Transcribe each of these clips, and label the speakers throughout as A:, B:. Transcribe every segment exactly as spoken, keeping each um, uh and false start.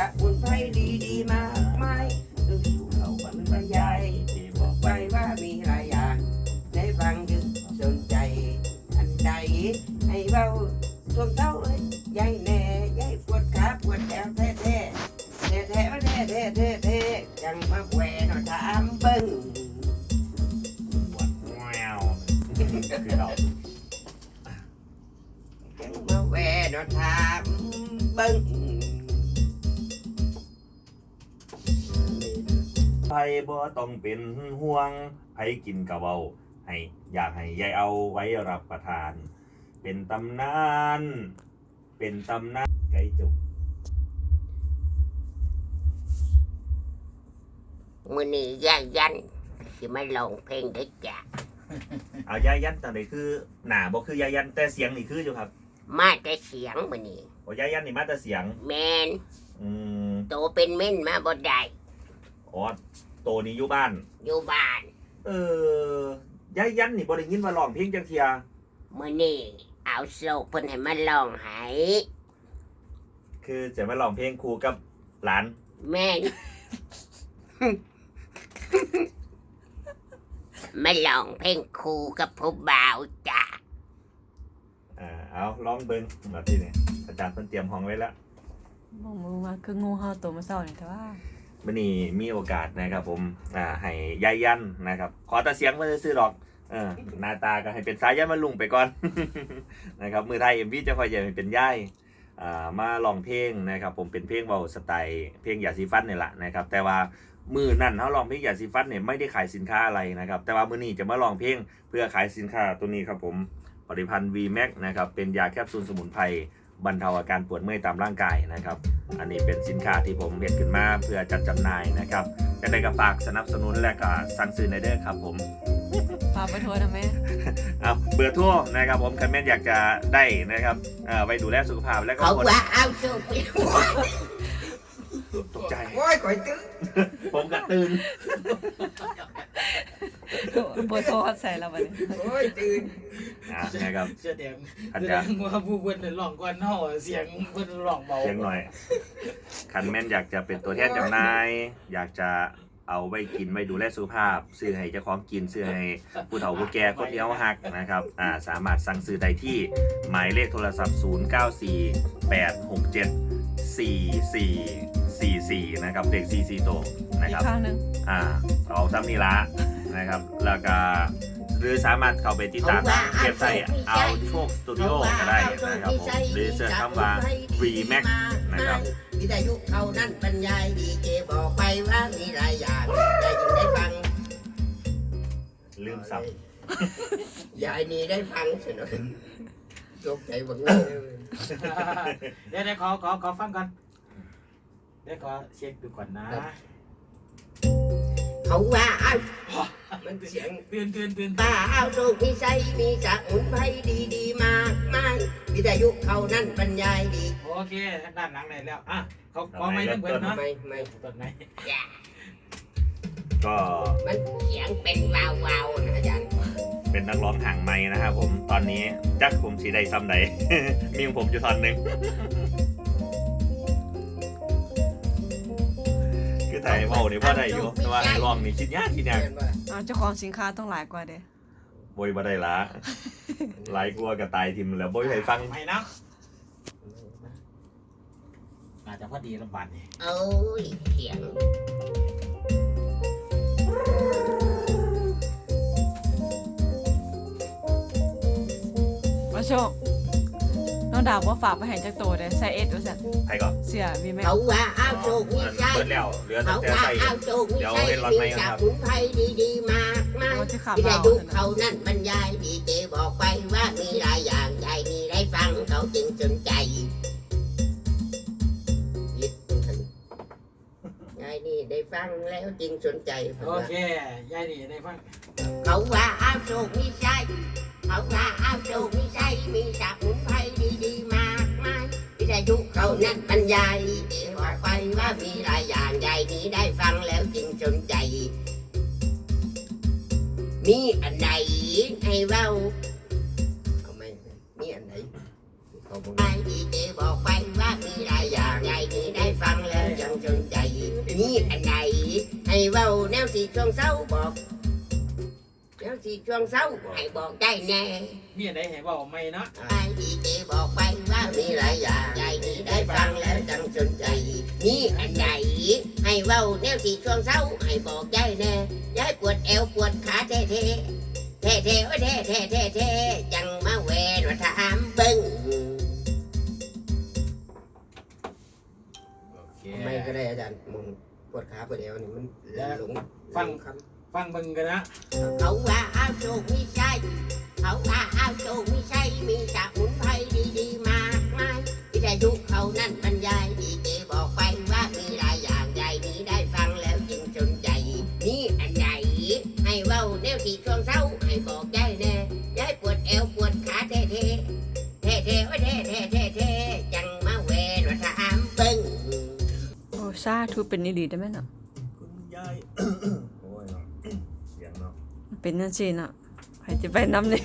A: มุนไพรดีๆมากมายดูเขาบรรยายที่บอกไว้ว่ามีหลายอย่างได้ฟังจึงสนใจอันใดให้เบาทวงเท้าเอ้ยยายแน่ยายปวดขาปวดแอวแท้แท้แท้แท้แท้แท้แท้แท้จังมาแหวนถามเบิ้ง
B: วัดแววคือเรา
A: จังมาแหวนถามเบิ้ง
B: ไผบ่ต้องเป็นห่วงไผกินกะเว้าให้อยากให้ยายเอาไว้รับประทาน เป็นตำนานเป็นตำนานไก่จุก
A: มื้อนี้ยายยันสิมาร้องเพลงได้จ้ะ
B: เอายายันตอนนี้คือหน้าบ่คือยายันแต่เสียงนี่คืออยู่ครับ
A: มาแต่เสียงมื้อนี้
B: โอ้ยายันนี่มาแต่เสียง
A: แม่น
B: อืม
A: โตเป็นเม่นมาบ่ได้
B: อ๋อโตนี้อยู่บ้าน
A: อยู่บ้าน
B: เออยายันนี่บ่ได้ยินว่าร้องเพลงจังเที่ย
A: มื้อนี้เอาโศกเพิ่นให้มาร้องให้
B: คือจะมาร้องเพลงคู่กับหลาน
A: แม่น มาร้องเพลงคู่กับผู้บ่าวจ้ะ
B: อ่าเอาลองเบิ่งแบบที่นี่อาจารย์เพิ่นเตรียมห้องไว้แล้ว
C: มองมือมาคืองูเห่าตัวมาเศร้าเนี่ยแต่ว่า
B: วันนี้มีโอกาสนะครับผมอ่าให้ยายยันนะครับ ขอแต่เสียงมาซื้อๆหรอกเออหน้าตาก็ให้เป็นสายยันมาลุงไปก่อน นะครับมือไทยเอ็มวีจะคอยใหญ่เป็นย่ายอ่ามาลองเพลงนะครับ ผมเป็นเพลงเบาสไตล์เพลงยาสีฟันนี่แหละนะครับ แต่ว่ามือนั่นเขาลองเพลงยาสีฟันเนี่ยไม่ได้ขายสินค้าอะไรนะครับ แต่ว่ามือนี้จะมาลองเพลงเพื่อขายสินค้าตัวนี้ครับผมผลิตภัณฑ์ วี แม็ก นะครับเป็นยาแคปซูลสมุนไพรบรรเทาอาการปวดเมื่อยตามร่างกายนะครับ อันนี้เป็นสินค้าที่ผมเห็นขึ้นมาเพื่อจัดจำหน่ายนะครับยังไงก็ฝากสนับสนุนและก็สั่งซื้อในเด้อครับผม
C: พาไปทัวร์นะแม่
B: เอาเบอร์โทั่วนะครับผมคันแม่นอยากจะได้นะครับเอ่อไปดูแลสุขภาพและก็
A: เขา
B: คน
A: ว่าเอาโศกไป
B: ตกใจ
A: โอ้ยข่อยตึ้ง
B: ผมกระตื่น
C: เบอร์โทรใส่เราไป
A: โอ้ยตื่น
B: อ่ะนะครับ
D: แสดง
B: อา
D: แส
B: จา
D: ด
B: รย์
D: งว่าผู้เพิ่นน่ะร้องก่อนเฮาเสียงเพิ่นร้องเบา
B: เสียงหน่อยคันแม่นอยากจะเป็นตัวแทนจำหน่าย อยากจะเอาไว้กินไว้ดูแลสุขภาพซื้อให้เจ้าของกินซื้อให้ผู้เฒ่าผู้แก่คนที่เขาหักนะครับอ่าสามารถสั่งซื้อได้ที่หมายเลขโทรศัพท์ ศูนย์ เก้า สี่ แปด หก เจ็ด สี่ สี่ สี่ สี่ นะครับเด็กสี่ สี่โตวนะ
C: อี
B: ค
C: ก
B: รับ
C: ข้างหนึง
B: อ่าเอาซ้ำนี่ละนะครับ แล้วก็หรือสามารถเข้าไปติดตามทางเว็บไซต์เอาโชคสตูดิโอก็ได้นะครับผมหรือเสิร์ชคำว่า วี แม็ก นะครับ
A: วิทยุเขานั่นบรรยายดีเจบอกไปว่ามีหลายอย่างยายจึงได้ฟัง
B: ลืมสับ
A: ยายนี่ได้ฟังเฉยๆตกใจบังเลย
D: เดี๋ยวเดี๋ยวขอขอขอฟังก่อนเดี๋ยวขอเช็คดูก่อนนะ
A: เขาว่าเอามันเสียง
D: ตื่นตื่นตื่น
A: ตาเอาโชคมีใจมีจากมุนไพรดีๆมากมายวิทยุเขานั่นบรรยายดี
D: โอเคด้านหลังได้แล้วอ่ะเขาขอไม่ต้องเบิดเนาะ
A: ไม่ไม่
D: ต้นไหน
B: ก็
A: มันเสียงเป็นวาวๆนะอาจารย์
B: เป็นนักร้องห่างไม้นะครับผมตอนนี้จักผมสีใดซ้ำใด มีของผมอยู่ตอนหนึ่ง คือไทยเมาเนี่ยว่าได้อยู่แต่ว่าให้ร้องนี่คิดยากคิดยาก
C: เอาเจ้าของสินค้าต้องหลายกว่าเด้
B: บอยบ่ได้ละหลายกลัวกับตายทิมแล้วบอยใครฟัง
D: ไม่เนาะอาจจะพอดีลำบากนี่
A: เอ้ยเสียง
C: มาโชคน้องดาวว่าฝากไปให้จักโตเด้ใส่เอสว่าซั่น
B: ใครก่อน
C: เสียวีแม็ก
A: เขาว่าเอาโชคมีใจ
B: เปิดแล้วเหลือแต่
A: เขา
B: แต่
A: ว่า
B: ใส่
A: เอาโชคมี
B: เดี๋ยว
A: ใจ
B: เห็นรถไหม
A: มี
B: ค
A: จาก
B: รับ
A: มุนไพรดีๆมากมาย
C: โอ้ที่ขับ
A: วิท
C: เบา
A: ยุ
C: ซั่น
A: เขานั่นบรรยายดีเจบอกไปว่ามีหลายอย่างยายนี่ได้ฟังเขาจึงสนใจยิดยายนี่ได้ฟังแล้วจึงสนใจ
D: โอเคยายนี่ได้ฟัง
A: เขาว่าเอาโชคมีใจเขาว่าเอาโชคมีใจมีจากมุนไพรดีๆมากมายวิทยุเขานั่นบรรยายดีเจบอกไปว่ามีหลายอย่างยายนี่ได้ฟังแล้วจึงสนใจ มีอันใดให้เว้าเอาไหมมีอันไหนเขาบอกไอ้ดีเจบอกไปว่ามีหลายอย่างยายนี่ได้ฟังแล้วสนใจมีอันใดให้เว้าแนวสีช่วงเศร้าบอกแนวสีช่วงเศร้าให้บอกได้แน่
D: มีอะไรให้บอกไหมเนาะ
A: ไอ้ดีเจบอกไปว่ามีหลายอย่างใจดีได้ฟังแล้วจังสนใจมีอันใดให้เว้าแนวสีช่วงเศร้าให้บอกได้แน่ยายปวดเอวปวดขาเท่เท่เท่เท่โอ้เท่เท่เท่เท่จังมาแหวนว่าถามเบิ้ง
D: โอเค
A: ไม่ก็ได้อาจารย์มึงปวดขาปวดเอวนี่มันหลง
D: ฟัง
A: คำ
D: ฟังเบิ่งกันนะ
A: เขาว่าเอาโชคมีชัยเขาว่าเอาโชคมีชัยมีสมุนไพรดีๆมากมายวิทยุเขานั่นบรรยายดีเจบอกไปว่ามีหลายอย่างใหญ่นี้ได้ฟังแล้วจึงสนใจนี่อันใหญ่ให้เว้าแนวที่ช่วงเศร้าให้บอกได้แน่ยายปวดเอวปวดขาเท่ๆเท่ๆโอ้ยเท่ๆเท่ๆเท่ๆจังมาแหวนว่าถามเบิ้ง
C: โอ้ซาทูเป็นนี่ดีได้ไหมเนาะ
B: คุณยาย โอ้ยเนาะเสียงเนาะ
C: เป็นนั่นสิเนาะใครจะไปน้ำนี่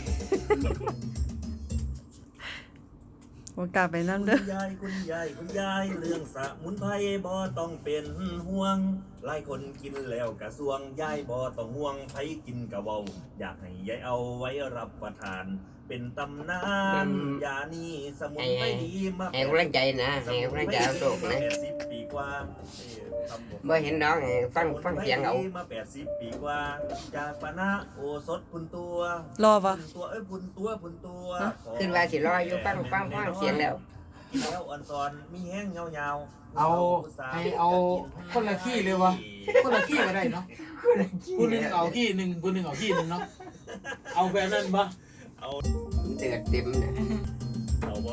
C: ว่ากล้าไปน้ำ
B: คุ
C: เด้อ
B: ณยายคุณยายคุณยายเรื่องสมุนไพรบ่ต้องเป็นห่วงหลายคนกินแล้วกระสวงยายบ่ต้องห่วงไผกินกะเว้าอยากให้ยายเอาไว้รับประทาน เป็นตำนานยานี้สมุนไพรดีมาก
A: ให้กำลังใจนะให้กำลังใจเอาโชคนะ
B: แปดสิบปีกว่าเอ้ยทำผม
A: บ่เห็นน้องให้ฟังฟังเสียงเอา
B: มาแปดสิบปีกว่า จากปานะโอสถพุนตัว
C: รอปะ
B: พุนตัวเอ้ยพุนตัวพุนตัว
C: ฮะ
B: ขอ
A: ขึ้นว่าสิรออยู่ฟังฟังฟังเสียงแล้ว
B: กินแล้วอ่อนซอนมีแห้งยาวๆ
D: เอาให้เอาคนละขี้เลยวะคนละขี้ก็ได้เนาะผู้หนึงเอาขี้หนึ่งผู้หนึงเอาขี้หนึ่งเนาะเอาแบบนั้นปะ
B: เอา
A: เดือดเต็มนะ
B: เอาบ่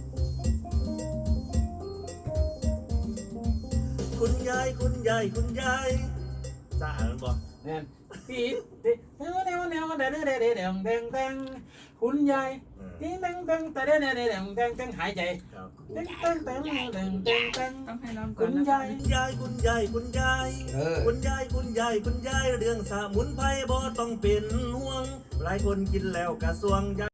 B: คุณยายคุณยายคุณยายจ้ามันบ่
D: เนี่ยปีดเดเดี๋ยวเดี๋ยวเดี๋ยวเดี๋ยวเดี๋ยวเดี๋ยวเดี๋ยวเดี๋ยวเดี๋ยวคุณยาย
B: เออ
D: ติ้งตังตังแต่เดี๋ยวเดี๋ยวเดี๋ยวเดี๋ยวเดี๋ยวเดี๋ยวหายใจ
B: ครับ
D: ติ้งตังตังเดี๋ยวเดี๋ยวเดี๋ยวเดี๋ยว
C: ต้องให้น้ำก่อ
D: คุ
C: น
D: ณ
C: นะ
D: ยาย
B: คุณยายคุณยายคุณยาย
A: เออ
B: คุณยายคุณยายคุณยายเรื่องสมุนไพรบ่ต้องเป็นห่วง หลายคนกินแล้วกระสวงยาย